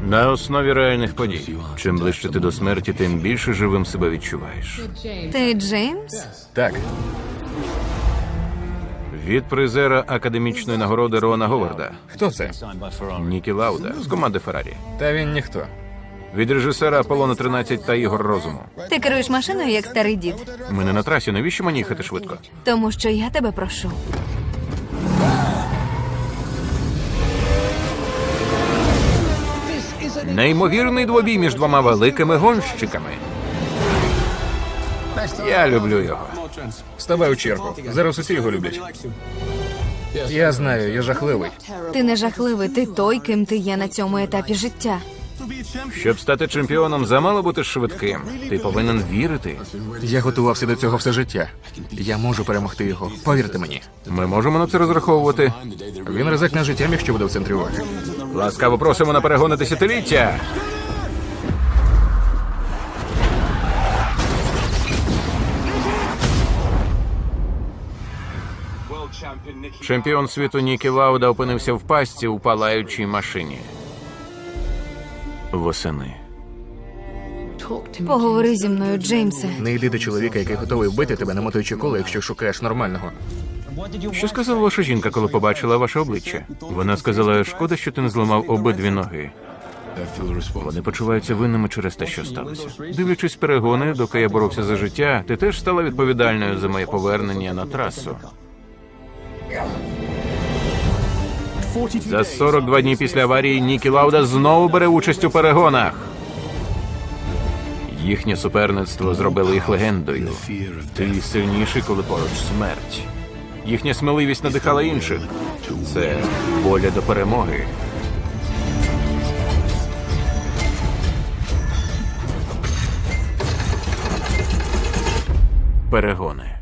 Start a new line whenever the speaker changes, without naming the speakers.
На основі реальних подій. Чим ближче ти до смерті, тим більше живим себе відчуваєш.
Ти Джеймс?
Так,
Від призера академічної нагороди Рона Говарда,
хто це?
Нікі Лауда з команди Феррарі.
Та він ніхто.
Від режисера Аполлона 13 та Ігор Розуму.
Ти керуєш машиною, як старий дід.
Ми не на трасі, навіщо мені їхати швидко?
Тому що я тебе прошу.
Неймовірний двобій між двома великими гонщиками. Я люблю його.
Ставай у чергу. Зараз усі його люблять. Я знаю, я жахливий.
Ти не жахливий, ти той, ким ти є на цьому етапі життя.
Щоб стати чемпіоном, замало бути швидким. Ти повинен вірити.
Я готувався до цього все життя. Я можу перемогти його. Повірте мені.
Ми можемо на це розраховувати.
Він ризикне життям, якщо буде в центрі уваги.
Ласкаво просимо на перегони десятиліття. Чемпіон світу Нікі Лауда опинився в пастці у палаючій машині. Восени.
Поговори зі мною, Джеймсе.
Не йди до чоловіка, який готовий вбити тебе, намотуючи коло, якщо шукаєш нормального.
Що сказала ваша жінка, коли побачила ваше обличчя? Вона сказала, шкода, що ти не зламав обидві ноги. Вони почуваються винними через те, що сталося. Дивлячись перегони, доки я боровся за життя, ти теж стала відповідальною за моє повернення на трасу. За 42 дні після аварії Нікі Лауда знову бере участь у перегонах. Їхнє суперництво зробило їх легендою. Ти сильніший, коли поруч смерть. Їхня сміливість надихала інших. Це воля до перемоги. Перегони.